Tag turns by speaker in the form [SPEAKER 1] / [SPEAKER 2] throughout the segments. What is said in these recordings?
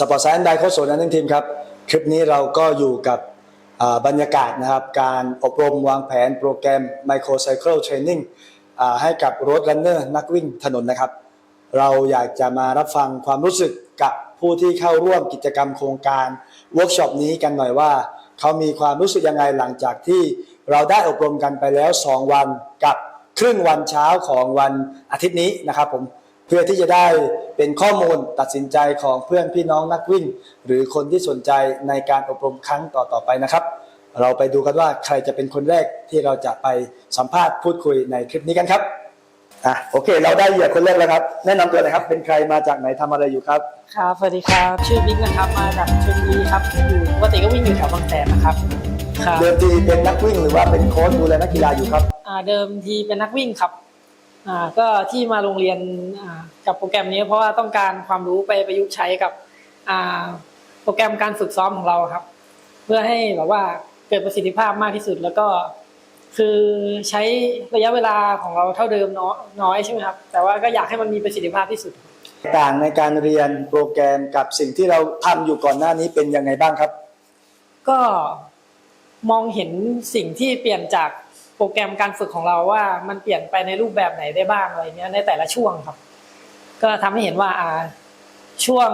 [SPEAKER 1] สปอร์ตไซน์ไดโค้ชโซนนั่นทีมครับคลิปนี้เราก็อยู่กับบรรยากาศนะครับการอบรมวางแผนโปรแกรม Microcycle Training ให้กับรถรันเนอร์นักวิ่งถนนนะครับเราอยากจะมารับฟังความรู้สึกกับผู้ที่เข้าร่วมกิจกรรมโครงการเวิร์กช็อปนี้กันหน่อยว่าเขามีความรู้สึกยังไงหลังจากที่เราได้อบรมกันไปแล้ว2วันกับครึ่งวันเช้าของวันอาทิตย์นี้นะครับผมเพื่อที่จะได้เป็นข้อมูลตัดสินใจของเพื่อนพี่น้องนักวิ่งหรือคนที่สนใจในการอบรมครั้งต่อๆไปนะครับเราไปดูกันว่าใครจะเป็นคนแรกที่เราจะไปสัมภาษณ์พูดคุยในคลิปนี้กันครับโอเคเราได้เหยื่อคนแรกแล้วครับแนะนำตัวหน่อยครับเป็นใครมาจากไหนทำอะไรอยู่ครับ
[SPEAKER 2] ครับสวัสดีครับชื่อบิ๊กนะครับมาจากชลบุรีครับอยู่ปกติก็วิ่งอยู่แถวบางแสนนะครับ
[SPEAKER 1] เดิมทีเป็นนักวิ่งหรือว่าเป็นโค้ชดูแลนักกีฬาอยู่ครับ
[SPEAKER 2] เดิมทีเป็นนักวิ่งครับก็ที่มาโรงเรียนกับโปรแกรมนี้เพราะว่าต้องการความรู้ไปประยุกต์ใช้กับโปรแกรมการฝึกซ้อมของเราครับเพื่อให้แบบว่าเกิดประสิทธิภาพมากที่สุดแล้วก็คือใช้ระยะเวลาของเราเท่าเดิมน้อยใช่ไหมครับแต่ว่าก็อยากให้มันมีประสิทธิภาพที่สุด
[SPEAKER 1] ต่างในการเรียนโปรแกรมกับสิ่งที่เราทำอยู่ก่อนหน้านี้เป็นยังไงบ้างครับ
[SPEAKER 2] ก็มองเห็นสิ่งที่เปลี่ยนจากโปรแกรมการฝึกของเราว่ามันเปลี่ยนไปในรูปแบบไหนได้บ้างอะไรเงี้ยในแต่ละช่วงครับก็ทำให้เห็นว่าช่วง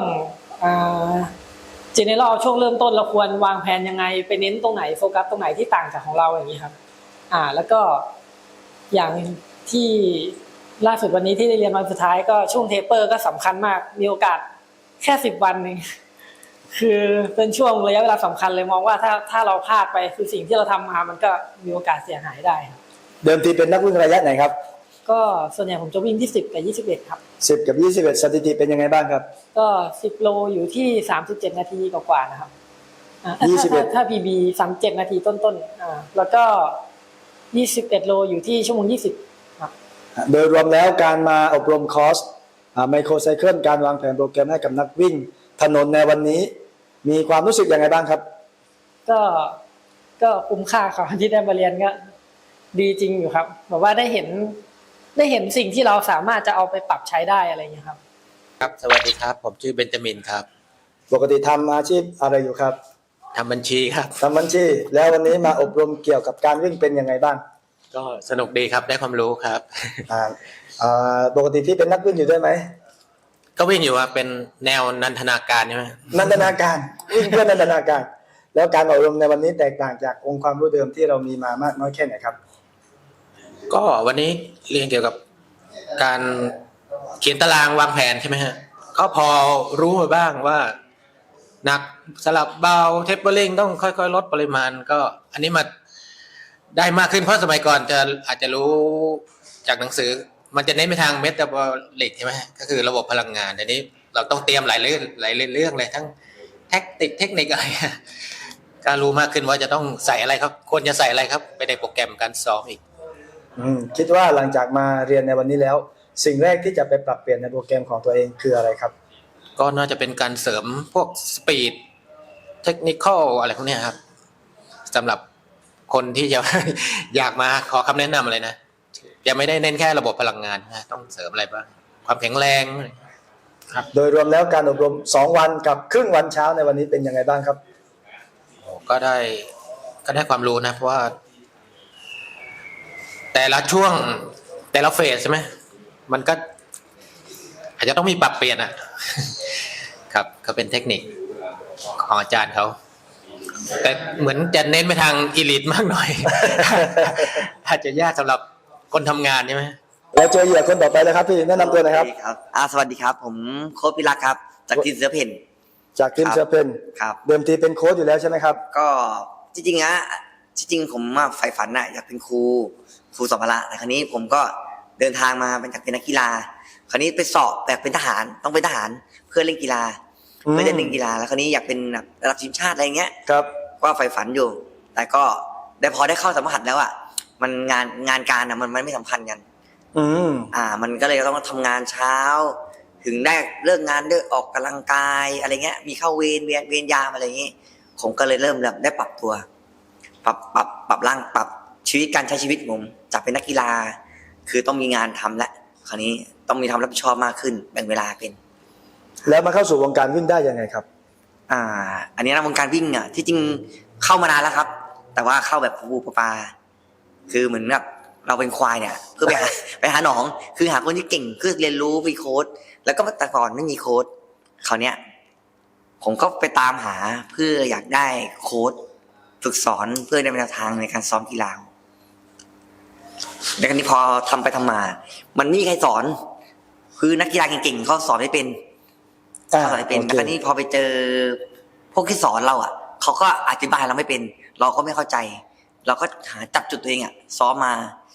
[SPEAKER 2] general ช่วงเริ่มต้นเราควรวางแผนยังไงไปเน้นตรงไหนโฟกัสตรงไหนที่ต่างจากของเราอย่างนี้ครับแล้วก็อย่างที่ล่าสุดวันนี้ที่ได้เรียนวันสุดท้ายก็ช่วงเทปเปอร์ก็สำคัญมากมีโอกาสแค่10 วันนึงคือเป็นช่วงระยะเวลาสำคัญเลยมองว่าถ้าเราพลาดไปคือสิ่งที่เราทำมามันก็มีโอกาสเสียหายได้ครับ
[SPEAKER 1] เดิมทีเป็นนักวิ่งระยะไหนครับ
[SPEAKER 2] ก็ส่วนใหญ่ผมจะวิ่งที่10 กับ 21ครับ
[SPEAKER 1] 10 กับ 21สถิติเป็นยังไงบ้างครับ
[SPEAKER 2] ก็10 โลอยู่ที่37 นาทีกว่าๆนะครับ21ถ้า PB 37 นาทีต้นๆแล้วก็21 โลอยู่ที่ชั่วโมง20ครับ
[SPEAKER 1] โดยรวมแล้วการมาอบรมคอร์สไมโครไซเคิลการวางแผนโปรแกรมให้กับนักวิ่งถนนในวันนี้มีความรู้สึกยังไงบ้างครับ
[SPEAKER 2] ก็คุ้มค่าครับที่ได้มาเรียนก็ดีจริงอยู่ครับแบบว่าได้เห็นสิ่งที่เราสามารถจะเอาไปปรับใช้ได้อะไรอย่างเงี้ยครับ
[SPEAKER 3] ครับสวัสดีครับผมชื่อเบนจามินครับ
[SPEAKER 1] ปกติทำอาชีพอะไรอยู่ครับ
[SPEAKER 3] ทำบัญชีครับ
[SPEAKER 1] ทำบัญชีแล้ววันนี้มาอบรมเกี่ยวกับการวิ่งเป็นยังไงบ้าง
[SPEAKER 3] ก็สนุกดีครับได้ความรู้ครับ
[SPEAKER 1] ปกติพี่เป็นนักวิ่งอยู่ด้วยไหม
[SPEAKER 3] ก็วิ่งอยู่ว่าเป็นแนวนันทนาการใช่ไหม
[SPEAKER 1] นันทนาการวิ่งเพื่อนันทนาการแล้วการอบรมในวันนี้แตกต่างจากองค์ความรู้เดิมที่เรามีมามากน้อยแค่ไหนครับ
[SPEAKER 3] ก็วันนี้เรียนเกี่ยวกับการเขียนตารางวางแผนใช่ไหมฮะก็พอรู้มาบ้างว่าหนักสลับเบาเทปเปอร์ลิงต้องค่อยๆลดปริมาณก็อันนี้มาได้มากขึ้นเพราะสมัยก่อนอาจจะรู้จากหนังสือมันจะเน้นไปทางเมตาบอลิกใช่ไหมก็คือระบบพลังงานอันนี้เราต้องเตรียมหลายเรื่องเลยทั้งเทคนิคอะไรก็รู้มากขึ้นว่าจะต้องใส่อะไรครับควรจะใส่อะไรครับไปในโปรแกรมการซ้อมอีก
[SPEAKER 1] คิดว่าหลังจากมาเรียนในวันนี้แล้วสิ่งแรกที่จะไปปรับเปลี่ยนในโปรแกรมของตัวเองคืออะไรครับ
[SPEAKER 3] ก็น่าจะเป็นการเสริมพวกสปีดเทคนิคอลอะไรพวกนี้ครับสำหรับคนที่จะอยากมาขอคำแนะนำอะไรนะจะไม่ได้เน้นแค่ระบบพลังงานนะต้องเสริมอะไรบ้างความแข็งแรง
[SPEAKER 1] ครับโดยรวมแล้วการอบรม2วันกับครึ่งวันเช้าในวันนี้เป็นยังไงบ้างครับ
[SPEAKER 3] ก็ได้ความรู้นะเพราะว่าแต่ละช่วงแต่ละเฟสใช่ไหมมันก็อาจจะต้องมีปรับเปลี่ยนครับก็เป็นเทคนิคของอาจารย์เขาแต่เหมือนจะเน้นไปทางอีลิทมากหน่อยอาจจะยากสำหรับคนทำงานใช่ไหม
[SPEAKER 1] แล้วเจอเหยื่อคนต่อไปแล้วครับพี่แนะนำตัวหน่อยครับ
[SPEAKER 4] สวัสดีครับผมโค้ชพิรักษ์ครับจากทีมเสือเพ่น
[SPEAKER 1] จากทีมเสือเพ่น
[SPEAKER 4] ครับ
[SPEAKER 1] เดิมทีเป็นโค้ชอยู่แล้วใช่ไหมครับ
[SPEAKER 4] ก็จริงผมใฝ่ฝันอยากเป็นครูสอนพละแต่ครั้นี้ผมก็เดินทางมาเป็นจากเป็นนักกีฬาคราวนี้ไปสอบแบบเป็นทหารต้องเป็นทหารเพื่อเล่นกีฬาไม่ได้เล่นกีฬาแล้วคราวนี้อยากเป็นระดับทีมชาติอะไรเงี้ย
[SPEAKER 1] ครับ
[SPEAKER 4] ก็ใฝ่ฝันอยู่แต่ก็พอได้เข้าสัมผัสแล้วมันงานการมันไม่สัมพันธ์กันมันก็เลยต้องทำงานเช้าถึงได้เลิกงานได้ออกกำลังกายอะไรเงี้ยมีเข้าเวรยามอะไรเงี้ยผมก็เลยเริ่มได้ปรับตัวปรับร่างปรับชีวิตการใช้ชีวิตผมจากเป็นนักกีฬาคือต้องมีงานทำและคราวนี้ต้องมีทำรับผิดชอบมากขึ้นแบ่งเวลาเป็น
[SPEAKER 1] แล้วมาเข้าสู่วงการวิ่งได้ยังไงครับ
[SPEAKER 4] อันนี้นะวงการวิ่งอ่ะที่จริงเข้ามานานแล้วครับ แต่ว่าเข้าแบบปูปลาคือเหมือนแบบเราเป็นควายเนี่ยเพื่อไปหาหนองคือหาคนที่เก่งเพื่อเรียนรู้มีโค้ดแล้วก็แต่ก่อนไม่มีโค้ดคราวเนี้ยผมก็ไปตามหาเพื่ออยากได้โค้ดฝึกสอนเพื่อในแนวทางในการซ้อมกีฬาแต่คราวนี้พอทำไปทำมา มันไม่มีใครสอนคือนักกีฬาเก่งๆเขาสอนไม่เป็นเขาสอนไม่เป็นแต่คราวนี้พอไปเจอพวกที่สอนเราอ่ะเขาก็อธิบายเราไม่เป็นเราก็ไม่เข้าใจ เราก็หาจับจุดตัวเองอ่ะซ้อมมา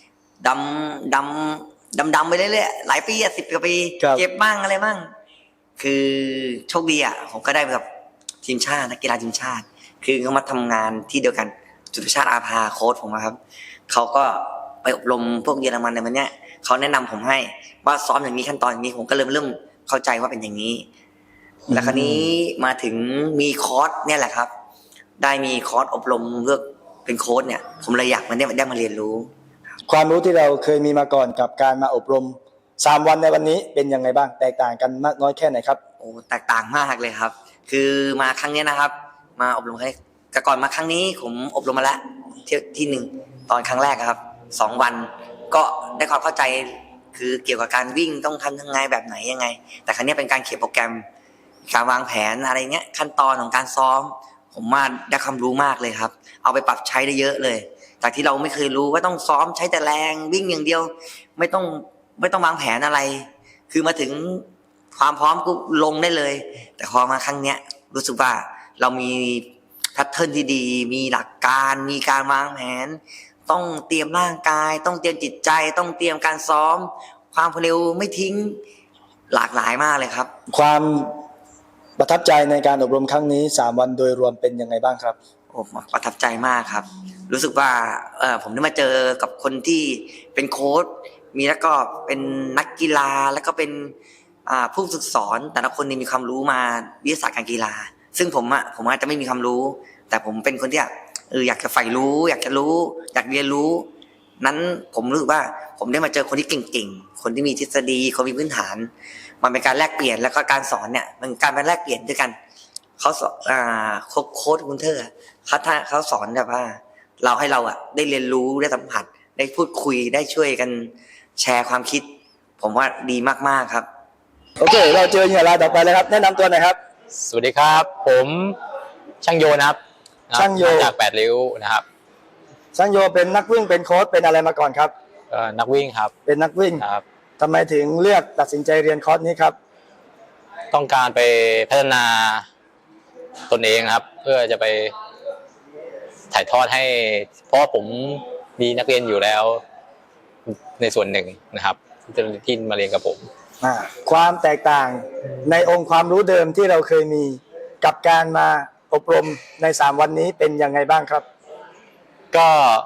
[SPEAKER 4] ดำไปเรื่อยๆหลายปี10 กว่าปีเจ็บบ้างอะไรบ้างคือโชคดีอ่ะผมก็ได้แบบทีมชาตินักกีฬาทีมชาติคือเขามาทำงานที่เดียวกันจุลชาติอาภาโค้ชผมครับเขาก็ไปอบรมพวกเยอรมันในวันเนี้ยเขาแนะนำผมให้ว่าซ้อมอย่างนี้ขั้นตอนอย่างนี้ผมก็เริ่มเข้าใจว่าเป็นอย่างนี้แล้วคราวนี้มาถึงมีคอร์สเนี่ยแหละครับได้มีคอร์สอบรมเลือกเป็นโค้ชเนี่ยผมเลยอยากได้มาเรียนรู้
[SPEAKER 1] ความรู้ที่เราเคยมีมาก่อนกับการมาอบรม3 วันในวันนี้เป็นยังไงบ้างแตกต่างกันมากน้อยแค่ไหนครับ
[SPEAKER 4] โอ้แตกต่างมากเลยครับคือมาครั้งนี้นะครับมาอบรมแต่ก่อนมาครั้งนี้ผมอบรมมาแล้วที่หนึ่งตอนครั้งแรกครับ2 วันก็ได้ความเข้าใจคือเกี่ยวกับการวิ่งต้องทำยังไงแบบไหนยังไงแต่ครั้งนี้เป็นการเขียนโปรแกรมการวางแผนอะไรเงี้ยขั้นตอนของการซ้อมผมว่าได้ความรู้มากเลยครับเอาไปปรับใช้ได้เยอะเลยจากที่เราไม่เคยรู้ว่าต้องซ้อมใช้แต่แรงวิ่งอย่างเดียวไม่ต้องวางแผนอะไรคือมาถึงความพร้อมก็ลงได้เลยแต่พอมาครั้งเนี้ยรู้สึกว่าเรามีแพทเทิร์นที่ดีมีหลักการมีการวางแผนต้องเตรียมร่างกายต้องเตรียมจิตใจต้องเตรียมการซ้อมความเร็วไม่ทิ้งหลากหลายมากเลยครับ
[SPEAKER 1] ความประทับใจในการอบรมครั้งนี้3 วันโดยรวมเป็นยังไงบ้างครับ
[SPEAKER 4] โอ้ประทับใจมากครับรู้สึกว่าผมได้มาเจอกับคนที่เป็นโค้ชมีแล้วก็เป็นนักกีฬาแล้วก็เป็นผู้ฝึกสอนแต่ละคนมีความรู้มาวิทยาศาสตร์การกีฬาซึ่งผมอาจจะไม่มีความรู้แต่ผมเป็นคนที่อยากจะใฝ่รู้อยากจะรู้อยากเรียนรู้นั้นผมรู้สึกว่าผมได้มาเจอคนที่เก่งๆคนที่มีทฤษฎีคนมีพื้นฐานมันเป็นการแลกเปลี่ยนแล้วก็การสอนเนี่ยมันการเป็นแลกเปลี่ยนด้วยกันเขาสอนโค้ชคุณเธอเขาสอนแบบว่าเราให้เราได้เรียนรู้ได้สัมผัสได้พูดคุยได้ช่วยกันแชร์ความคิดผมว่าดีมากๆครับ
[SPEAKER 1] โอเคเราเจอเหยื่อรายต่อไปเลยครับแนะนำตัวหน่อยครับ
[SPEAKER 5] สวัสดีครับผมช่างโยนะครับ
[SPEAKER 1] ช่างโย
[SPEAKER 5] จาก8 ริ้วนะครับ
[SPEAKER 1] ช่างโยเป็นนักวิ่งเป็นโค้ชเป็นอะไรมาก่อนครับ
[SPEAKER 5] นักวิ่งครับ
[SPEAKER 1] เป็นนักวิ่ง
[SPEAKER 5] ครับ
[SPEAKER 1] ทำไมถึงเลือกตัดสินใจเรียนคอร์สนี้ครับ
[SPEAKER 5] ต้องการไปพัฒนาตนเองครับเพื่อจะไปถ่ายทอดให้เพราะผมมีนักเรียนอยู่แล้วในส่วนหนึ่งนะครับที่มาเรียนกับผม
[SPEAKER 1] ความแตกต่างในองค์ความรู้เดิมที่เราเคยมีกับการมาอบรมใน3 วันนี้เป็นยังไงบ้างครับ
[SPEAKER 5] ก็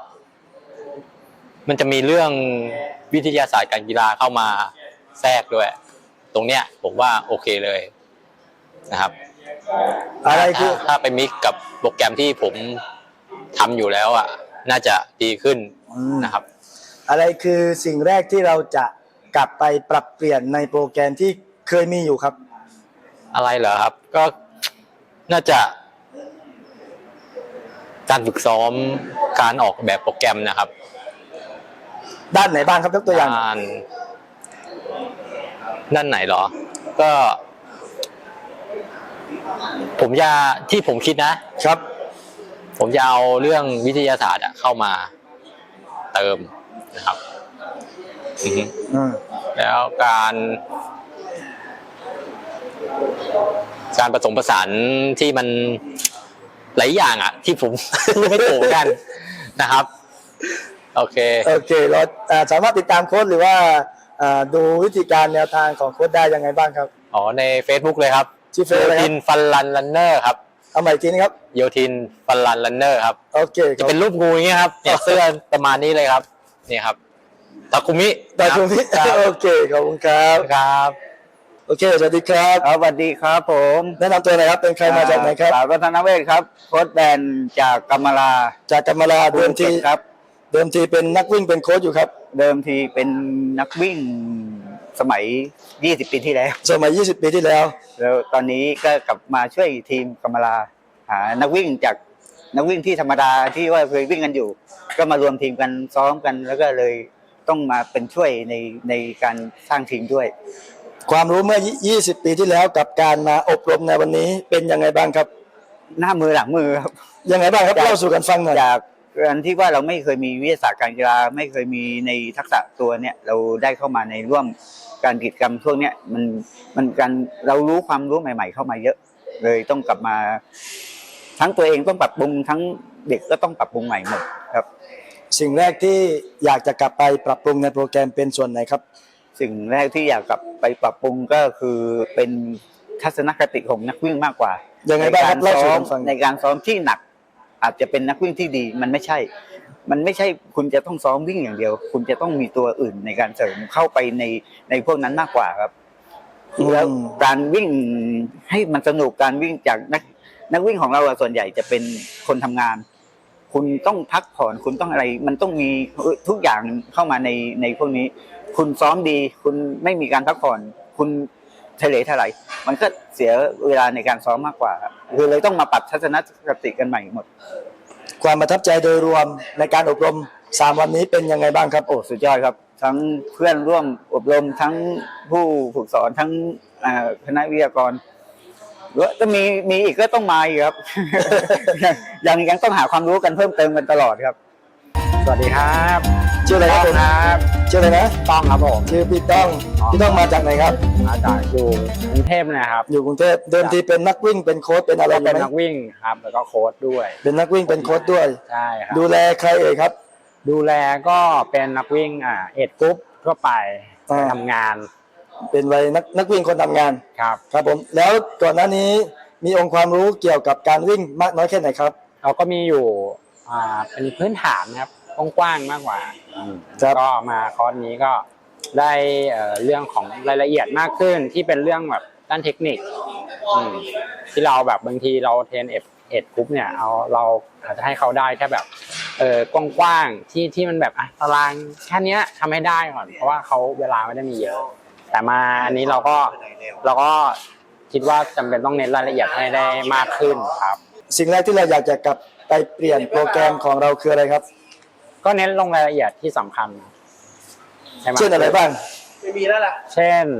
[SPEAKER 5] มันจะมีเรื่องวิทยาศาสตร์การกีฬาเข้ามาแทรกด้วยตรงเนี้ยผมว่าโอเคเลยนะครับ
[SPEAKER 1] อะไรคือ
[SPEAKER 5] ถ้าไปมิกกับโปรแกรมที่ผมทำอยู่แล้วน่าจะดีขึ้นนะครับ
[SPEAKER 1] อะไรคือสิ่งแรกที่เราจะกลับไปปรับเปลี่ยนในโปรแกรมที่เคยมีอยู่ครับ
[SPEAKER 5] อะไรเหรอครับก็น่าจะการฝึกซ้อมการออกแบบโปรแกรมนะครับ
[SPEAKER 1] ด้านไหนบ้างครับยกตัวอย่าง
[SPEAKER 5] ด้านไหนเหรอก็ที่ผมคิดนะครับผมจะเอาเรื่องวิทยาศาสตร์เข้ามาเติมนะครับแล้วการผสมผสานที่มันหลายอย่างที่ผมไม่ถูกกันนะครับโอเค
[SPEAKER 1] เราสามารถติดตามโค้ชหรือว่าดูวิธีการแนวทางของโค้ชได้ยังไงบ้างครับ
[SPEAKER 5] ใน Facebook เลยครับ
[SPEAKER 1] ชื่อเฟซอะไรครับโย
[SPEAKER 5] ทินฟันรันเนอร์ครับ
[SPEAKER 1] เอาใหม่ทีนี้ครับ
[SPEAKER 5] โยทินฟันรันเนอร์ครับ
[SPEAKER 1] โอเค
[SPEAKER 5] จะเป็นรูปงูอย่างเงี้ยครับเนี่ยเสื้อประมาณนี้เลยครับนี่ครับตาคุมิ
[SPEAKER 1] โอเคขอบคุณครับโอเคสวัสดีครับ
[SPEAKER 6] สวัสดีครับผม
[SPEAKER 1] แนะนำตัวหน่อยครับเป็นใครมาจากไหนครับ
[SPEAKER 6] วัฒนเวชครับโค้ชแบนจากกัมมาลา
[SPEAKER 1] เดิมทีเป็นนักวิ่งเป็นโค้ชอยู่ครับ
[SPEAKER 6] เดิมทีเป็นนักวิ่งสมัย 20 ปีที่แล้ว
[SPEAKER 1] สมัย 20 ปีที่แล้ว
[SPEAKER 6] แล้วตอนนี้ก็กลับมาช่วยทีมกำมะลาหานักวิ่งจากนักวิ่งที่ธรรมดาที่ว่าเคยวิ่งกันอยู่ ก็มารวมทีมกันซ้อมกัน แล้วก็เลยต้องมาเป็นช่วยในการสร้างทีมด้วย
[SPEAKER 1] ความรู้เมื่อ 20 ปีที่แล้วกับการมาอบรมในวันนี้เป็นยังไงบ้างครับ
[SPEAKER 6] หน้ามือหลังมือครับ
[SPEAKER 1] ยังไงบ้างครับเล่าสู่กันฟังหน่อย
[SPEAKER 6] จากการที่ว่าเราไม่เคยมีวิทยาศาสตร์การกีฬาไม่เคยมีในทักษะตัวเนี่ยเราได้เข้ามาในร่วมการกิจกรรมช่วงเนี้ยมันการเรารู้ความรู้ใหม่ ๆ เข้ามาเยอะ เลยต้องกลับมา ทั้งตัวเองต้องปรับปรุงทั้งเด็กก็ต้องปรับปรุงใหม่หมดครับ
[SPEAKER 1] สิ่งแรกที่อยากจะกลับไปปรับปรุงในโปรแกรมเป็นส่วนไหนครับ
[SPEAKER 6] สิ่งแรกที่อยากกลับไปปรับปรุงก็คือเป็นทัศนคติของนักวิ่งมากกว่า
[SPEAKER 1] ยังไงบ้างครับเล่าสู่กันฟัง
[SPEAKER 6] ในการซ้อมที่หนัก อาจจะเป็นนักวิ่งที่ดีมันไม่ใช่ คุณจะต้องซ้อมวิ่งอย่างเดียว คุณจะต้องมีตัวอื่นในการเสริมเข้าไปในพวกนั้นมากกว่าครับแล้วการวิ่งให้มันสนุกการวิ่งจากนักวิ่งของเราส่วนใหญ่จะเป็นคนทำงาน คุณต้องพักผ่อนคุณต้องอะไร มันต้องมีทุกอย่างเข้ามาในพวกนี้ คุณซ้อมดี คุณไม่มีการพักผ่อน คุณทะเลทลายมันก็เสียเวลาในการซ้อมมากกว่าครับคือเลยต้องมาปรับทัศนคติกันใหม่หมด
[SPEAKER 1] ความประทับใจโดยรวมในการอบรม 3 วันนี้เป็นยังไงบ้างครับ
[SPEAKER 6] โอ้สุดยอดครับ ทั้งเพื่อนร่วมอบรมทั้งผู้ฝึกสอนทั้งคณะวิทยากรแล้วก็มีอีกก็ต้องมาอีกครับ ยังต้องหาความรู้กันเพิ่มเติมกันตลอดครับ
[SPEAKER 7] สวัสดีครับ
[SPEAKER 1] ชื่ออะไรครับผม
[SPEAKER 7] ครับ
[SPEAKER 1] ชื่ออะไรนะ
[SPEAKER 7] ต้องครับผม
[SPEAKER 1] ชื่อพี่ต้องพี่ต้องมาจากไหนครับ
[SPEAKER 7] มาจากอยู่กรุงเทพนะครับ
[SPEAKER 1] อยู่กรุงเทพเดิมทีเป็นนักวิ่งเป็นโค้ชเป็นอะไร
[SPEAKER 7] ก็
[SPEAKER 1] อยู่
[SPEAKER 7] เป็น
[SPEAKER 1] ไหม
[SPEAKER 7] นักวิ่งครับแล้วก็โค้ชด้วย
[SPEAKER 1] เป็นนักวิ่งเป็นโค้ชด้วย
[SPEAKER 7] ใช่ครับ
[SPEAKER 1] ดูแลใครเอ่ยครับ
[SPEAKER 7] ดูแลก็เป็นนักวิ่งเอ็ดกรุ๊ปทั่วไป
[SPEAKER 1] อ่า
[SPEAKER 7] ไปทำงาน
[SPEAKER 1] เป็นวัยนักวิ่งคนทำงาน
[SPEAKER 7] ครับ
[SPEAKER 1] ครับผมแล้วก่อนหน้านี้มีองค์ความรู้เกี่ยวกับการวิ่งมากน้อยแค่ไหนครับ
[SPEAKER 7] เราก็มีอยู่เป็นพื้นฐานครับกว้างๆมากกว่า
[SPEAKER 1] ครับ
[SPEAKER 7] ก็มาคอร์สนี้ก็ได้เรื่องของรายละเอียดมากขึ้นที่เป็นเรื่องแบบด้านเทคนิคที่เราแบบบางทีเราเทรนเอ็ดกรุ๊ปเนี่ยเราอาจจะให้เขาได้แค่แบบกว้างๆที่มันแบบตารางแค่นี้ทำให้ได้ก่อนเพราะว่าเขาเวลาไม่ได้มีเยอะ แต่มาอันนี้เราก็คิดว่าจำเป็นต้องเน้นรายละเอียดให้ได้มากขึ้นครับ
[SPEAKER 1] สิ่งแรกที่เราอยากจะกลับไปเปลี่ยนโปรแกรมของเราคืออะไรครับ
[SPEAKER 7] ก็เน้นลงรายละเอียดที่สำคัญใช่ไหม
[SPEAKER 1] เช่นอะไรบ้าง
[SPEAKER 7] เช่น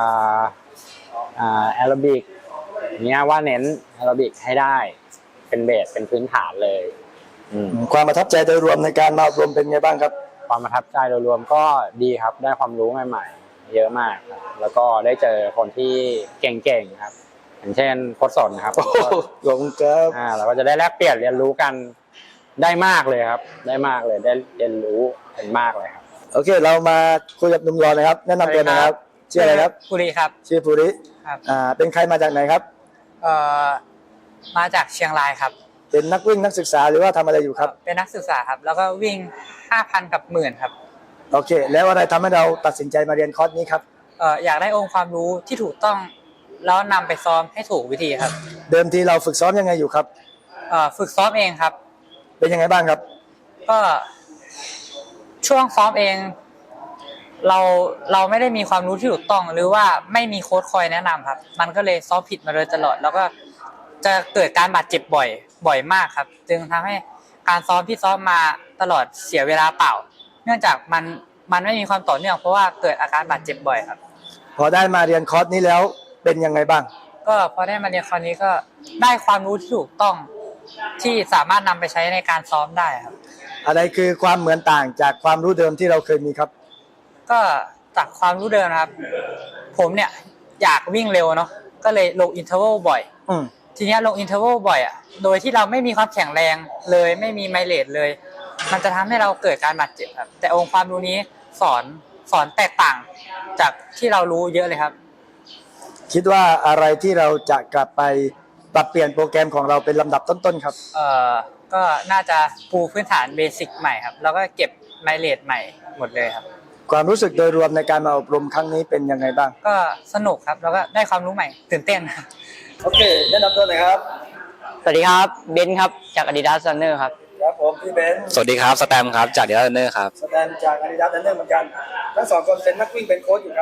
[SPEAKER 7] แอโรบิกเนี้ยว่าเน้นแอโรบิกให้ได้เป็นเบสเป็นพื้นฐานเลย
[SPEAKER 1] ความประทับใจโดยรวมในการมาอบรมเป็นไงบ้างครับ
[SPEAKER 7] ความประทับใจโดยรวมก็ดีครับได้ความรู้ใหม่ๆเยอะมากครับแล้วก็ได้เจอคนที่เก่งๆครับอย่างเช่นโค้ชสนครับ
[SPEAKER 1] ขอบคุณครับ
[SPEAKER 7] เราก็จะได้แลกเปลี่ยนเรียนรู้กันได้มากเลยครับได้มากเลยได้เรียนรู้กันมากเลยครับ
[SPEAKER 1] โอเคเรามาคุยกับหนุ่มรอนะครับ แนะนำตัวหนะครับชื่ออะไรครับ
[SPEAKER 8] ภูริครับ
[SPEAKER 1] ชื่อภูริ
[SPEAKER 8] ครับ
[SPEAKER 1] เป็นใครมาจากไหนครับ
[SPEAKER 8] มาจากเชียงรายครับ
[SPEAKER 1] เป็นนักวิ่งนักศึกษาหรือว่าทำอะไรอยู่ครับ
[SPEAKER 8] เป็นนักศึกษาครับ แล้วก็วิ่ง 5,000 กับ 10,000 ครับ
[SPEAKER 1] โอเค แล้วอะไรทำให้เราตัดสินใจมาเรียนคอร์สนี้ครับ
[SPEAKER 8] อยากได้องค์ความรู้ที่ถูกต้อง แล้วนำไปซ้อมให้ถูกวิธีครับ
[SPEAKER 1] เดิมทีเราฝึกซ้อมยังไงอยู่ครับ
[SPEAKER 8] ฝึกซ้อมเองครับ
[SPEAKER 1] เป็นยังไงบ้างครับ
[SPEAKER 8] ก็ช่วงซ้อมเอง เราไม่ได้มีความรู้ที่ถูกต้อง หรือว่าไม่มีโค้ชคอยแนะนำครับ มันก็เลยซ้อมผิดมาโดยตลอด แล้วก็จะเกิดการบาดเจ็บบ่อยมากครับ จึงทำให้การซ้อมที่ซ้อมมาตลอดเสียเวลาเปล่า เนื่องจากมันไม่มีความต่อเนื่องเพราะว่าเกิดอาการบาดเจ็บบ่อยครับ
[SPEAKER 1] พอได้มาเรียนคอร์สนี้แล้วเป็นยังไงบ้าง
[SPEAKER 8] ก็พอได้มาเรียนคราวนี้ก็ได้ความรู้ที่ถูกต้องที่สามารถนำไปใช้ในการซ้อมได้ครับ
[SPEAKER 1] อะไรคือความเหมือนต่างจากความรู้เดิมที่เราเคยมีครับ
[SPEAKER 8] ก็จากความรู้เดิมนะครับ ผมเนี่ยอยากวิ่งเร็วเนาะก็เลยลงอินเทอร์วัลบ่อย ทีนี้ลงอินเทอร์วัลบ่อยอ่ะโดยที่เราไม่มีความแข็งแรงเลยไม่มีไมเลจเลย มันจะทำให้เราเกิดการบาดเจ็บครับแต่องค์ความรู้นี้สอนแตกต่างจากที่เรารู้เยอะเลยครับ
[SPEAKER 1] คิดว่าอะไรที่เราจะกลับไปปรับเปลี่ยนโปรแกรมของเราเป็นลำดับต้นๆครับ
[SPEAKER 8] ก็น่าจะปูพื้นฐานเบสิกใหม่ครับแล้วก็เก็บไมเลจใหม่หมดเลยครับ
[SPEAKER 1] ความรู้สึกโดยรวมในการมาอบรมครั้งนี้เป็นยังไงบ้าง
[SPEAKER 8] ก็สนุกครับแล้วก็ได้ความรู้ใหม่ตื่นเต้นครับ
[SPEAKER 1] โอเคแนะนำตัวหน่อยครับ
[SPEAKER 9] สวัสดีครับเบนซ์ครับจาก Adidas Runner ครับ
[SPEAKER 1] ครับผมพี่เบนซ์
[SPEAKER 5] สวัสดีครับสแตมครับจากเดียร์เนอร์ครับ
[SPEAKER 1] สแตนจาก Adidas Runner เหมือนกันทั้งสองคนเป็นนักวิ่งเป็นโค้ชอยู่ครับ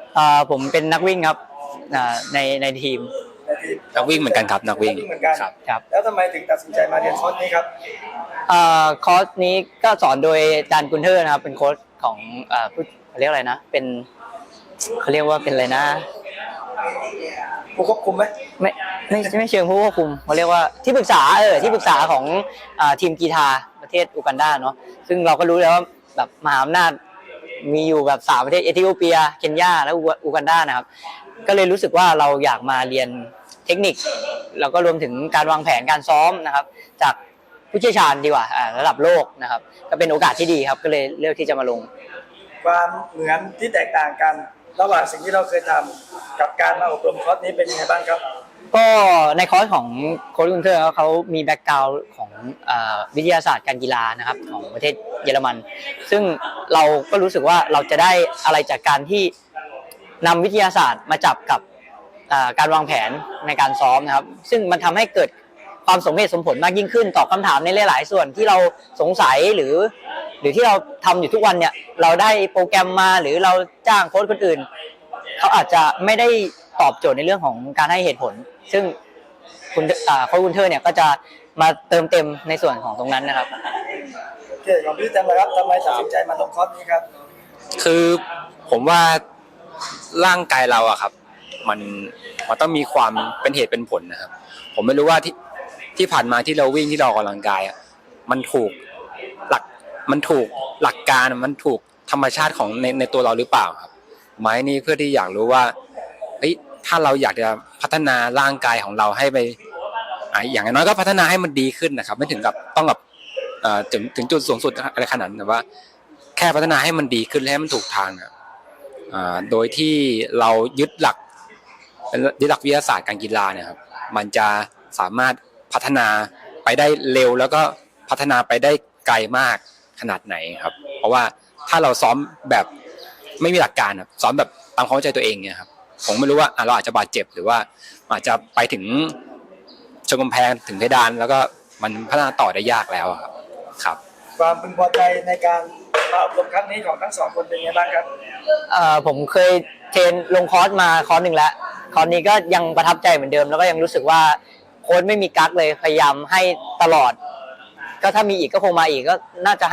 [SPEAKER 9] ผมเป็นนักวิ่งครับในทีม
[SPEAKER 3] นักวิ่งเหมือนกันครับนักวิ่ง
[SPEAKER 1] เหมือนกัน
[SPEAKER 9] ครับ
[SPEAKER 1] แล้วทำไมถึงตัดสินใจมาเรียนคอร์สนี้ครับ
[SPEAKER 9] คอร์สนี้ก็สอนโดยอาจารย์กุนเทอร์นะครับเป็นโค้ชของผู้เขาเรียกอะไรนะเป็นเขาเรียกว่าเป็นอะไรนะ
[SPEAKER 1] ผู้ควบคุมไหม
[SPEAKER 9] ไม่เชิงผู้ควบคุมเขาเรียกว่าที่ปรึกษาที่ปรึกษาของทีมกีฬาประเทศอูกันดาเนาะซึ่งเราก็รู้แล้วว่าแบบมหาอำนาจมีอยู่แบบ3ประเทศเอธิโอเปียเคนยาและอูกันดานะครับก็เลยรู้สึกว่าเราอยากมาเรียนเทคนิคแล้วก็รวมถึงการวางแผนการซ้อมนะครับจากผู้เชี่ยวชาญดีกว่าระดับโลกนะครับก็เป็นโอกาสที่ดีครับก็เลยเลือกที่จะมาลง
[SPEAKER 1] ความเหมือนที่แตกต่างกันระหว่างสิ่งที่เราเคยทำกับการมาอบรมคอร์สนี้เป็นยังไงบ้างครับ
[SPEAKER 9] ก็ในคอร์สของโค้ชกุนเทอร์เขามีแบ็กกราวด์ของวิทยาศาสตร์การกีฬานะครับของประเทศเยอรมันซึ่งเราก็รู้สึกว่าเราจะได้อะไรจากการที่นำวิทยาศาสตร์มาจับกับการวางแผนในการซ้อมนะครับซึ่งมันทำให้เกิดความสมเหตุสมผลมากยิ่งขึ้นตอบคำถามในหลายๆส่วนที่เราสงสัยหรือที่เราทำอยู่ทุกวันเนี่ยเราได้โปรแกรมมาหรือเราจ้างโค้ชคนอื่นเขาอาจจะไม่ได้ตอบโจทย์ในเรื่องของการให้เหตุผลซึ่งโค้ชกุนเทอร์เนี่ยก็จะมาเติมเต็มในส่วนของตรงนั้นนะครับ
[SPEAKER 1] โอเคของพี่แจมนะครับทำไมตัดสินใจมาลงคอร์สนี้ครับ
[SPEAKER 10] คือผมว่าร่างกายเราอะครับมันต้องมีความเป็นเหตุเป็นผลนะครับผมไม่รู้ว่าที่ผ่านมาที่เราวิ่งที่เราออกกำลังกายอะมันถูกหลักการมันถูกธรรมชาติของในตัวเราหรือเปล่าครับไม้นี่เพื่อที่อยากรู้ว่าถ้าเราอยากจะพัฒนาร่างกายของเราให้ไปอย่างน้อยก็พัฒนาให้มันดีขึ้นนะครับไม่ถึงกับต้องแบบถึงจุดสูงสุดอะไรขนาดนั้นแต่ว่าแค่พัฒนาให้มันดีขึ้นและให้มันถูกทางนะโดยที่เรายึดหลักวิทยาศาสตร์การกีฬาเนี่ยครับมันจะสามารถพัฒนาไปได้เร็วแล้วก็พัฒนาไปได้ไกลมากขนาดไหนครับเพราะว่าถ้าเราซ้อมแบบไม่มีหลักการซ้อมแบบตามความเข้าใจตัวเองเนี่ยครับผมไม่รู้ว่าเราอาจจะบาดเจ็บหรือว่าอาจจะไปถึงชนกำแพงถึงเพดานแล้วก็มันพัฒนาต่อได้ยากแล้วครับ
[SPEAKER 1] ความพึงพอใจในการมาอบรมครั้งนี้ของทั้งสองคนเป็นยังไงบ้างครับ
[SPEAKER 9] ผมเคยเทรนลงคอร์สมาคอร์สหนึ่งแล้วคอร์สนี้ก็ยังประทับใจเหมือนเดิมแล้วก็ยังรู้สึกว่าโค้ชไม่มีกั๊กเลยพยายามให้ตลอดก็ถ้ามีอีกก็คงมาอีกก็น่าจะให้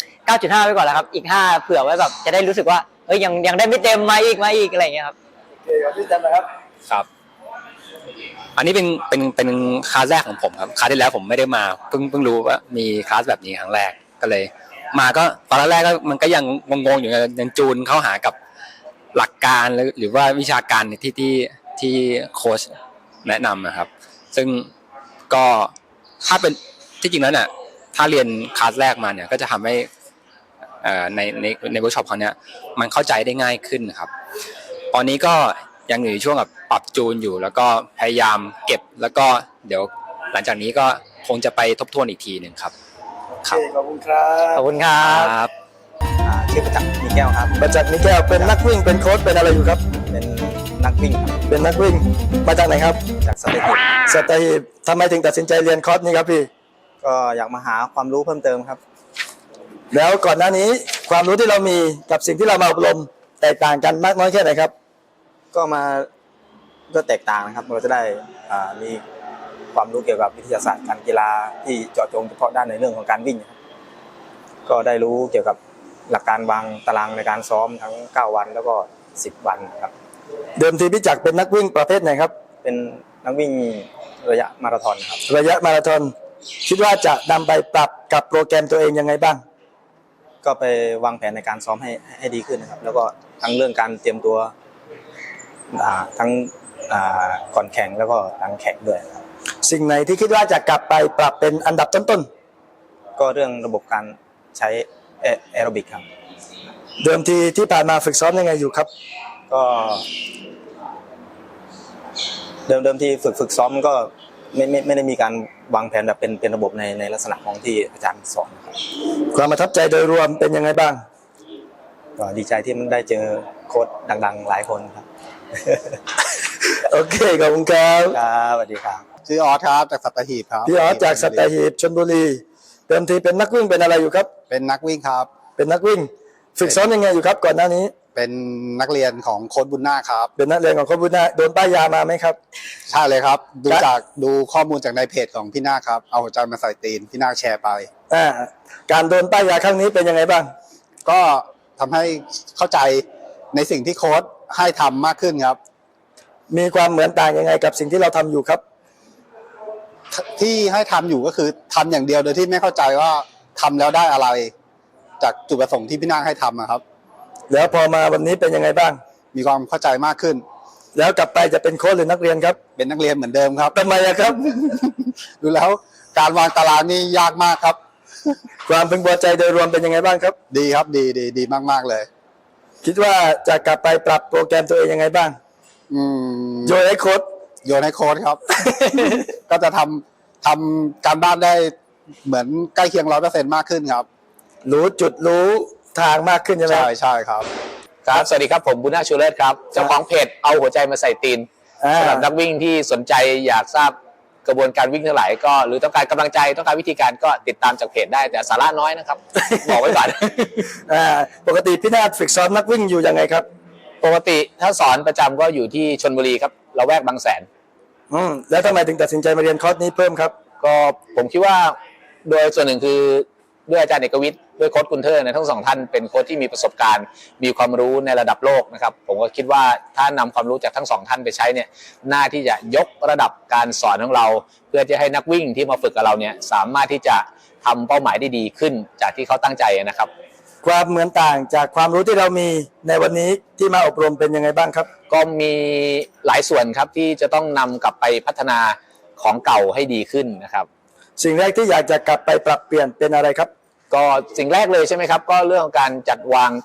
[SPEAKER 9] 9.5 ไว้ก่อนแล้วครับอีก5เผื่อไว้แบบจะได้รู้สึกว่ายังได้ไม่เต็มมาอีกอะไรอย่างเงี้ยครับ
[SPEAKER 1] โอเคครับพี่แจมนะครับ
[SPEAKER 10] ครับอันนี้เป็นคลาสแรกของผมครับคลาสที่แล้วผมไม่ได้มาเพิ่งรู้ว่ามีคลาสแบบนี้ครั้งแรกก็เลยมาก็ตอนแรกก็มันก็ยังงงๆอยู่ยังจูนเข้าหากับหลักการหรือว่าวิชาการที่โค้ชแนะนำนะครับซึ่งก็ถ้าเป็นที่จริงแล้วเนี่ยถ้าเรียนคลาสแรกมาเนี่ยก็จะทำให้ในเวิร์กช็อปครั้งนี้มันเข้าใจได้ง่ายขึ้นนะครับตอนนี้ก็ยังอยู่ในช่วงแบบปรับจูนอยู่แล้วก็พยายามเก็บแล้วก็เดี๋ยวหลังจากนี้ก็คงจะไปทบทวนอีกทีหนึ่งครับ
[SPEAKER 1] โอเคขอบคุณครับ
[SPEAKER 9] ขอบคุณครับ
[SPEAKER 6] ชื่อประจักษ์มีแก้วครับ
[SPEAKER 1] ประจักษ์มีแก้วเป็นนักวิ่งเป็นโค้ชเป็นอะไรอยู่ครับ
[SPEAKER 6] เป็นนักวิ่งครับ
[SPEAKER 1] เป็นนักวิ่งมาจากไหนครับ
[SPEAKER 6] จากสัตหีบ
[SPEAKER 1] สัตหีบทำไมถึงตัดสินใจเรียนคอร์สนี้ครับพี่
[SPEAKER 6] ก็อยากมาหาความรู้เพิ่มเติมครับ
[SPEAKER 1] แล้วก่อนหน้านี้ความรู้ที่เรามีกับสิ่งที่เรามาอบรมแตกต่างกันมากน้อยแค่ไหนครับ
[SPEAKER 6] ก็แตกต่างนะครับเราจะได้มีความรู้เกี่ยวกับวิทยาศาสตร์การกีฬาที่เจาะจงเฉพาะด้านในเรื่องของการวิ่งครับก็ได้รู้เกี่ยวกับหลักการวางตารางในการซ้อมทั้ง9วันแล้วก็10วันครับ
[SPEAKER 1] เดิมทีพี่จักรเป็นนักวิ่งประเภทไหนครับ
[SPEAKER 6] เป็นนักวิ่งระยะมาราธอนครับ
[SPEAKER 1] ระยะมาราธอนคิดว่าจะนำไปปรับกับโปรแกรมตัวเองยังไงบ้าง
[SPEAKER 6] ก็ไปวางแผนในการซ้อมให้ดีขึ้นนะครับแล้วก็ทั้งเรื่องการเตรียมตัวทั้งก่อนแข่งแล้วก็หลังแข่งด้วยครับ
[SPEAKER 1] สิ่งไหนที่คิดว่าจะกลับไปปรับเป็นอันดับต้น
[SPEAKER 6] ก็เรื่องระบบการใช้แอโรบิกครับ
[SPEAKER 1] ๆเดิมทีที่ผ่านมาฝึกซ้อมยังไงอยู่ครับ
[SPEAKER 6] ก็เดิมที่ฝึกซ้อมก็ไม่ได้มีการวางแผนแบบเป็นระบบในลักษณะของที่อาจารย์สอนครับ
[SPEAKER 1] ความประทับใจโดยรวมเป็นยังไงบ้าง
[SPEAKER 6] ก็ดีใจที่ได้เจอโค้ชดังๆหลายคนครับ
[SPEAKER 1] โอเคขอบคุณครับ
[SPEAKER 6] ครับสวัสดีครับ
[SPEAKER 11] ชื่อออสครับจากสัตหีบครับ
[SPEAKER 1] พี่ออสจากสัตหีบชลบุรีเดิมทีเป็นนักวิ่งเป็นอะไรอยู่ครับ
[SPEAKER 11] เป็นนักวิ่งครับ
[SPEAKER 1] เป็นนักวิ่งฝึกซ้อมยังไงอยู่ครับก่อนหน้านี้
[SPEAKER 11] เป็นนักเรียนของโค้ชบุญนาคครับ
[SPEAKER 1] เป็นนักเรียนของโค้ชบุญนาคโดนป้ายยามาไหมครับ
[SPEAKER 11] ใช่เลยครับ ดูข้อมูลจากในเพจของพี่นาคครับ เอาหัวใจมาใส่ตีนพี่นาคแชร์ไป
[SPEAKER 1] การโดนป้ายยาครั้งนี้เป็นยังไงบ้าง
[SPEAKER 11] ก็ทำให้เข้าใจในสิ่งที่โค้ชให้ทำมากขึ้นครับ
[SPEAKER 1] มีความเหมือนต่างยังไงกับสิ่งที่เราทำอยู่ครับ
[SPEAKER 11] ที่ให้ทำอยู่ก็คือทำอย่างเดียวโดยที่ไม่เข้าใจว่าทำแล้วได้อะไร จากจุดประสงค์ที่พี่นาคให้ทำอะครับ
[SPEAKER 1] แล้วพอมาวันนี้เป็นยังไงบ้าง
[SPEAKER 11] มีความเข้าใจมากขึ้น
[SPEAKER 1] แล้วกลับไปจะเป็นโค้ชหรือนักเรียนครับ
[SPEAKER 11] เป็นนักเรียนเหมือนเดิมครับ
[SPEAKER 1] ทำไมอะครับ
[SPEAKER 11] ดูแล้วการวางตารางนี่ยากมากครับ
[SPEAKER 1] ความพึงพอใจโดยรวมเป็นยังไงบ้างครับ
[SPEAKER 11] ดีครับดีมากๆเลย
[SPEAKER 1] คิดว่าจะกลับไปปรับโปรแกรมตัวเองยังไงบ้าง โยนให้โค้ช
[SPEAKER 11] โยนให้โค้ชครับ ก็จะทำการบ้านได้เหมือนใกล้เคียง100%มากขึ้นครับ
[SPEAKER 1] รู้จุดรู้ทางมากขึ้นใช่ไหม
[SPEAKER 11] ใช่ครับ
[SPEAKER 5] ครับ สวัสดีครับผมบุญนาคชูเลิศครับ เจ้าของเพจเอาหัวใจมาใส่ตีนสำหรับนักวิ่งที่สนใจอยากทราบกระบวนการวิ่งทั้งหลายก็หรือต้องการกำลังใจต้องการวิธีการก็ติดตามจากเพจได้แต่สาระน้อยนะครับ บอกไว้ก่อน
[SPEAKER 1] ปกติพี่นาฏฝึกซ้อมนักวิ่งอยู่ยังไงครับ
[SPEAKER 5] ปกติถ้าสอนประจำก็อยู่ที่ชลบุรีครับละแวกบางแสน
[SPEAKER 1] แล้วทำไมถึงตัดสินใจมาเรียนคอร์สนี้เพิ่มครับ
[SPEAKER 5] ก็ผมคิดว่าโดยส่วนหนึ่งคือด้วยอาจารย์เอกวิทย์ด้วยโค้ชกุนเทอร์ทั้งสองท่านเป็นโค้ชที่มีประสบการณ์มีความรู้ในระดับโลกนะครับผมก็คิดว่าถ้านำความรู้จากทั้งสองท่านไปใช้เนี่ยน่าที่จะยกระดับการสอนของเรา เพื่อจะให้นักวิ่งที่มาฝึกกับเราเนี่ยสามารถที่จะทำเป้าหมายได้ดีขึ้นจากที่เขาตั้งใจนะครับ
[SPEAKER 1] ความเหมือนต่างจากความรู้ที่เรามีในวันนี้ที่มาอบรมเป็นยังไงบ้างครับ
[SPEAKER 5] ก็มีหลายส่วนครับที่จะต้องนำกลับไปพัฒนาของเก่าให้ดีขึ้นนะครับ
[SPEAKER 1] สิ่งแรกที่อยากจะกลับไปปรับเปลี่ยนเป็นอะไรครับ
[SPEAKER 5] ก็สิ่งแรกเลยใช่ไหมครับก็เรื่องของการจัดวาง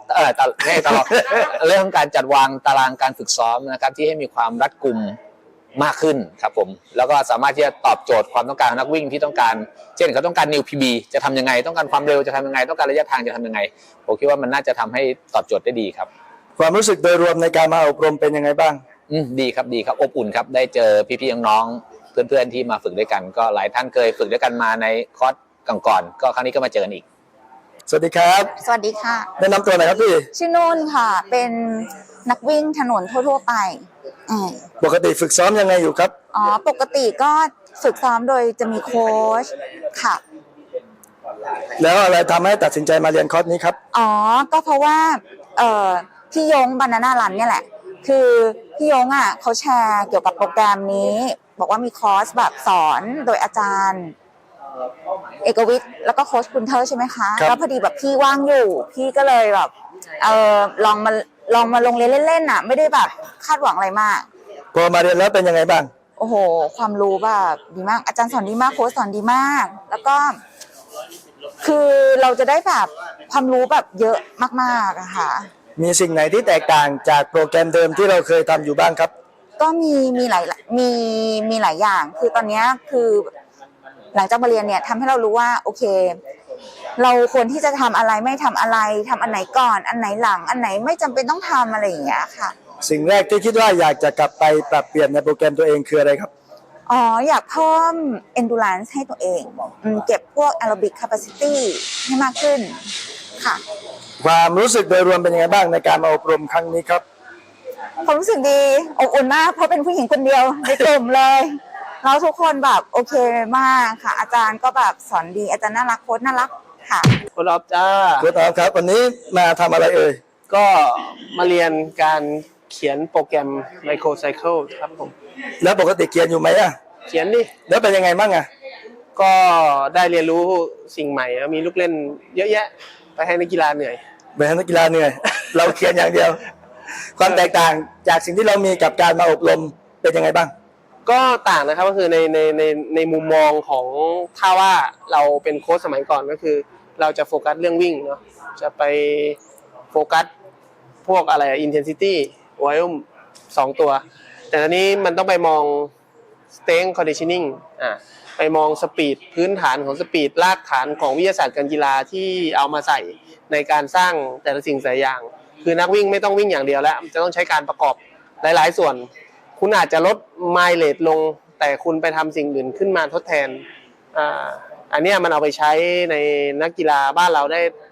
[SPEAKER 5] เรื่องของการจัดวางตารางการฝึกซ้อมนะครับที่ให้มีความรัดกุมมากขึ้นครับผมแล้วก็สามารถที่จะตอบโจทย์ความต้องการของนักวิ่งที่ต้องการเช่นเขาต้องการ New PB จะทำยังไงต้องการความเร็วจะทำยังไงต้องการระยะทางจะทำยังไงผมคิดว่ามันน่าจะทำให้ตอบโจทย์ได้ดีครับ
[SPEAKER 1] ความรู้สึกโดยรวมในการมาอบรมเป็นยังไงบ้าง
[SPEAKER 5] ดีครับอบอุ่นครับได้เจอพี่ๆน้องๆเพื่อนๆที่มาฝึกด้วยกันก็หลายท่านเคยฝึกด้วยกันมาในคอร์สก่อนๆก็ครั้งนี้ก็มาเจอกันอีก
[SPEAKER 1] สวัสดีครับ
[SPEAKER 12] สวัสดีค่ะ
[SPEAKER 1] แนะนำตัวหน่อยครับพี่
[SPEAKER 12] ชื่อนุ่นค่ะ เป็นนักวิ่งถนนทั่วๆไป
[SPEAKER 1] ปกติฝึกซ้อมยังไงอยู่ครับ
[SPEAKER 12] ปกติก็ฝึกซ้อมโดยจะมีโค้ชค่ะ
[SPEAKER 1] แล้วอะไรทำให้ตัดสินใจมาเรียนคอร์สนี้ครับ
[SPEAKER 12] ก็เพราะว่าพี่ยงบานาน่ารันเนี่ยแหละ คือพี่ยงอ่ะเขาแชร์เกี่ยวกับโปรแกรมนี้ บอกว่ามีคอร์สแบบสอนโดยอาจารย์เอกวิทย์แล้วก็โค้ชคุณเทอร์ใช่ไหมคะแล้วพอดีแบบพี่ว่างอยู่พี่ก็เลยแบบลองมาลงเรียนเล่นๆอ่ะไม่ได้แบบคาดหวังอะไรมาก
[SPEAKER 1] พอมาเรียนแล้วเป็นยังไงบ้าง
[SPEAKER 12] โอ้โหความรู้แบบดีมากอาจารย์สอนดีมากโค้ชสอนดีมาก แล้วก็คือเราจะได้แบบความรู้แบบเยอะมากๆอะค่ะ
[SPEAKER 1] มีสิ่งไหนที่แตกต่างจากโปรแกรมเดิมที่เราเคยทำอยู่บ้างครับ
[SPEAKER 12] ก็มีหลายอย่าง คือตอนนี้คือหลังจากมาเรียนเนี่ยทำให้เรารู้ว่าโอเค เราควรที่จะทำอะไรไม่ทำอะไรทำอันไหนก่อนอันไหนหลังอันไหนไม่จำเป็นต้องทำอะไรอย่างเงี้ยค่ะ
[SPEAKER 1] สิ่งแรกที่คิดว่าอยากจะกลับไปปรับเปลี่ยนในโปรแกรมตัวเองคืออะไรครับ
[SPEAKER 12] อยากเพิ่ม endurance ให้ตัวเองเก็บพวก aerobic capacity ให้มากขึ้นค่ะ
[SPEAKER 1] ความรู้สึกโดยรวมเป็นยังไงบ้างในการมาอบรมครั้งนี้ครับ
[SPEAKER 12] ความรู้สึกดีอบอุ่นมากเพราะเป็นผู้หญิงคนเดียวในกลุ่มเลยแล้วทุกคนแบบโอเคมากค่ะอาจารย์ก็แบบสอนดีอาจารย์น่ารักโค้ชน่ารักค่ะ
[SPEAKER 13] คุณอ๊อฟจ้า
[SPEAKER 1] คุณอ๊อฟครับวันนี้มาทำอะไรเอ่ย
[SPEAKER 13] ก็มาเรียนการเขียนโปรแกรม Microcycle ครับผม
[SPEAKER 1] แล้วปกติเขียนอยู่ไหมอ่ะ
[SPEAKER 13] เขียนดิ
[SPEAKER 1] แล้วเป็นยังไงบ้างอ่ะ
[SPEAKER 13] ก็ได้เรียนรู้สิ่งใหม่มีลูกเล่นเยอะแยะ ไปให้นักกีฬาเหนื่อย
[SPEAKER 1] ไปให้นักกีฬาเหนื่อย เราเขียนอย่างเดียว ความแตกต่างจากสิ่งที่เรามีกับการมาอบรมเป็นยังไงบ้าง
[SPEAKER 13] ก็ต่างนะครับก็คือในมุมมองของถ้าว่าเราเป็นโค้ชสมัยก่อนก็คือ เราจะโฟกัสเรื่องวิ่งเนาะจะไปโฟกัสพวกอะไร intensity volume 2 ตัว แต่ตอนนี้มันต้องไปมอง strength conditioning ไปมองสปีดพื้นฐานของสปีดรากฐานของวิทยาศาสตร์การกีฬาที่เอามาใส่ในการสร้างแต่ละสิ่งแต่ละอย่างคือนักวิ่งไม่ต้องวิ่งอย่างเดียวแล้วจะต้องใช้การประกอบหลายๆส่วนคุณอาจจะลดไมล์เลทลงแต่คุณไปทำสิ่งอื่นขึ้นมาทดแทนอันนี้มันเอาไปใช้ในนักกีฬาบ้านเรา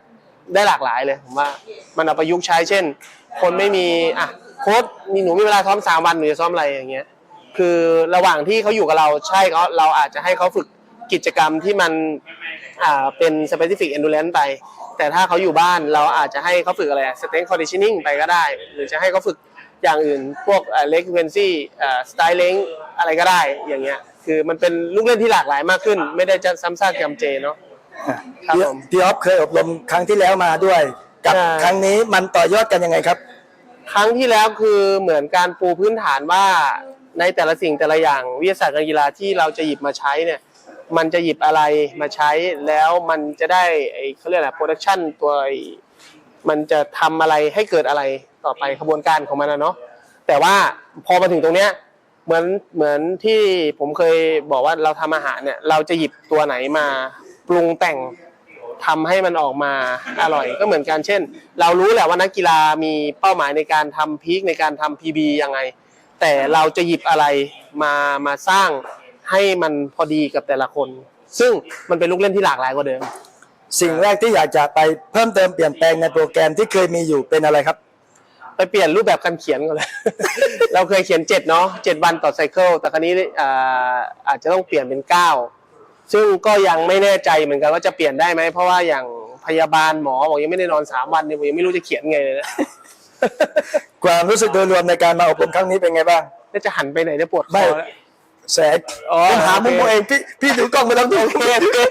[SPEAKER 13] ได้หลากหลายเลยผมว่ามันเอาประยุกต์ใช้เช่น คนไม่มีโค้ชหนูมีเวลาซ้อม3 วันหนูจะซ้อมอะไรอย่างเงี้ยคือระหว่างที่เขาอยู่กับเราใช่เราอาจจะให้เขาฝึกกิจกรรมที่มันเป็น specific endurance ไปแต่ถ้าเขาอยู่บ้านเราอาจจะให้เขาฝึกอะไร strength conditioning ไปก็ได้หรือจะให้เขาฝึกอย่างอื่นพวกleg frequency style length อะไรก็ได้อย่างเงี้ยคือมันเป็นลูกเล่นที่หลากหลายมากขึ้นไม่ได้จะซ้ำซากจำเจเนาะครับผม
[SPEAKER 1] พี่ออฟเคยอบรมครั้งที่แล้วมาด้วยกับครั้งนี้มันต่อยอดกันยังไงครับ
[SPEAKER 13] ครั้งที่แล้วคือเหมือนการปูพื้นฐานว่าในแต่ละสิ่งแต่ละอย่างวิทยาศาสตร์การกีฬาที่เราจะหยิบมาใช้เนี่ยมันจะหยิบอะไรมาใช้แล้วมันจะได้เขาเรียกอะไรโปรดักชันตัวมันจะทำอะไรให้เกิดอะไรต่อไปขบวนการของมันนะเนาะแต่ว่าพอมาถึงตรงเนี้ยเหมือนที่ผมเคยบอกว่าเราทำอาหารเนี่ยเราจะหยิบตัวไหนมาปรุงแต่งทำให้มันออกมาอร่อยก็เหมือนกันเช่นเรารู้แหละว่านักกีฬามีเป้าหมายในการทำพีคในการทำ PB ยังไงแต่เราจะหยิบอะไรมาสร้างให้มันพอดีกับแต่ละคนซึ่งมันเป็นลูกเล่นที่หลากหลายกว่าเดิม
[SPEAKER 1] สิ่งแรกที่อยากจะไปเพิ่มเติมเปลี่ยนแปลงในโปรแกรมที่เคยมีอยู่เป็นอะไรครับ
[SPEAKER 13] ไปเปลี่ยนรูปแบบการเขียนก่อนเลย เราเคยเขียน7เนาะ7 วันต่อไซเคิลแต่ครั้นี้อาจจะต้องเปลี่ยนเป็น9ซึ่งก็ยังไม่แน่ใจเหมือนกันว่าจะเปลี่ยนได้ไหมเพราะว่าอย่างพยาบาลหมอบอกยังไม่ได้นอน3 วันเนี่ยผมยังไม่รู้จะเขียนไงเลยนะ
[SPEAKER 1] ความรู้สึกโดยรวมในการมาอบรมครั้งนี้เป็นไงบ้าง
[SPEAKER 13] แล้วจะหันไปไหนจะปวดค
[SPEAKER 1] ไม่
[SPEAKER 13] อแล้ว
[SPEAKER 1] แสกผมหามุมตัวเองพี่ถือกล้องไปแล้วดู
[SPEAKER 13] โอเค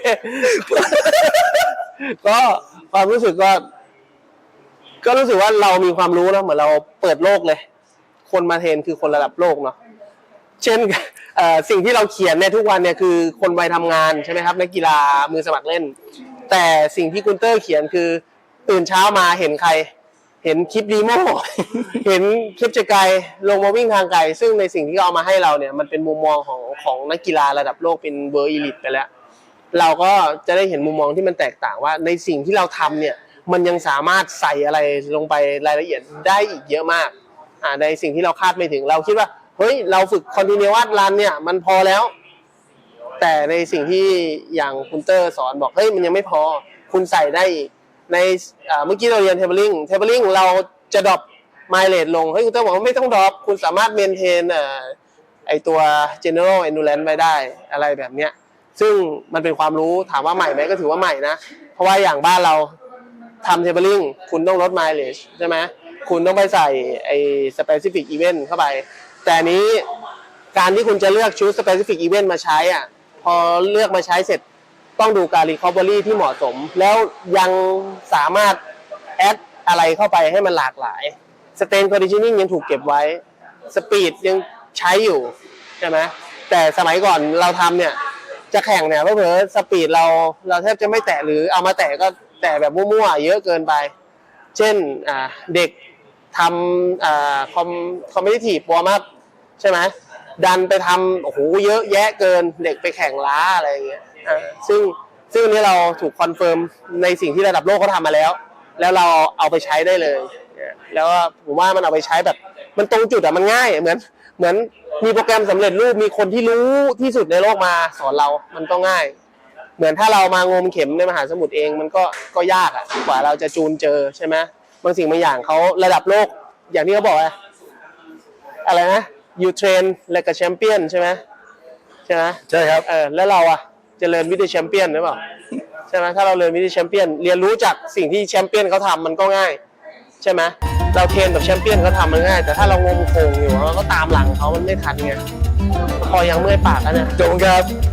[SPEAKER 13] ก็ความรู้สึกก็รู้สึกว่าเรามีความรู้นะเหมือนเราเปิดโลกเลยคนมาเทรนคือคนระดับโลกเนาะเช่นสิ่งที่เราเขียนเนี่ยทุกวันเนี่ยคือคนวัยทำงานใช่ไหมครับนักกีฬามือสมัครเล่นแต่สิ่งที่คุณเตอร์เขียนคือตื่นเช้ามาเห็นใครเห็นคลิปดีโม เห็นคลิปจะไกลลงมาวิ่งทางไกลซึ่งในสิ่งที่เอามาให้เราเนี่ยมันเป็นมุมมองของนักกีฬาระดับโลกเป็นเบอร์อีลิทไปแล้วเราก็จะได้เห็นมุมมองที่มันแตกต่างว่าในสิ่งที่เราทำเนี่ยมันยังสามารถใส่อะไรลงไปรายละเอียดได้อีกเยอะมากในสิ่งที่เราคาดไม่ถึงเราคิดว่าเฮ้ยเราฝึก continuous run เนี่ยมันพอแล้วแต่ในสิ่งที่อย่างคุณเตอร์สอนบอกเฮ้ยมันยังไม่พอคุณใส่ได้อีกในเมื่อกี้เราเรียน tabling เราจะดรอป mileage ลงเฮ้ยคุณเตอร์บอกว่าไม่ต้องดรอปคุณสามารถ maintain ไอตัว general endurance ไว้ได้อะไรแบบเนี้ยซึ่งมันเป็นความรู้ถามว่าใหม่ไหมก็ถือว่าใหม่นะเพราะว่าอย่างบ้านเราทำ tabling คุณต้องลด mileage ใช่ไหมคุณต้องไปใส่ไอ้ specific event เข้าไปแต่นี้การที่คุณจะเลือกชุด specific event มาใช้พอเลือกมาใช้เสร็จต้องดูการ recovery ที่เหมาะสมแล้วยังสามารถ add อะไรเข้าไปให้มันหลากหลาย strength conditioning ยังถูกเก็บไว้ speed ยังใช้อยู่ใช่ไหมแต่สมัยก่อนเราทำเนี่ยจะแข่งเนี่ยเผลอๆสปีดเราแทบจะไม่แตะหรือเอามาแตะก็แตะแบบมั่วๆเยอะเกินไปเช่นเด็กทำcompetitive warm up ใช่ไหมดันไปทำโอ้โหเยอะแยะเกินเด็กไปแข่งล้าอะไรอย่างเงี้ยซึ่งนี่เราถูกคอนเฟิร์มในสิ่งที่ระดับโลกเขาทำมาแล้วเราเอาไปใช้ได้เลยแล้วผมว่ามันเอาไปใช้แบบมันตรงจุดมันง่ายเหมือนมีโปรแกรมสำเร็จรูปมีคนที่รู้ที่สุดในโลกมาสอนเรามันก็ง่ายเหมือนถ้าเรามางมเข็มในมหาสมุทรเองมันก็ยากกว่าเราจะจูนเจอใช่ไหมบางสิ่งบางอย่างเขาระดับโลกอย่างที่เขาบอกอะไรนะ you train like a champion ใช่ไหมใช่ครับแล้วเราจะเรียนวิธีแชมเปี้ยนหรือเปล่าใช่ไหมถ้าเราเรียนวิธีแชมเปี้ยนเรียนรู้จากสิ่งที่แชมเปี้ยนเขาทำมันก็ง่ายใช่ไหมเราเทรนกับแชมเปี้ยนเขาทำมันง่ายแต่ถ้าเรางมโคงอยู่เราก็ตามหลังเขามันไม่ทันไงพอยังเมื่อยปากแล้วเนี่ย
[SPEAKER 1] จงครับ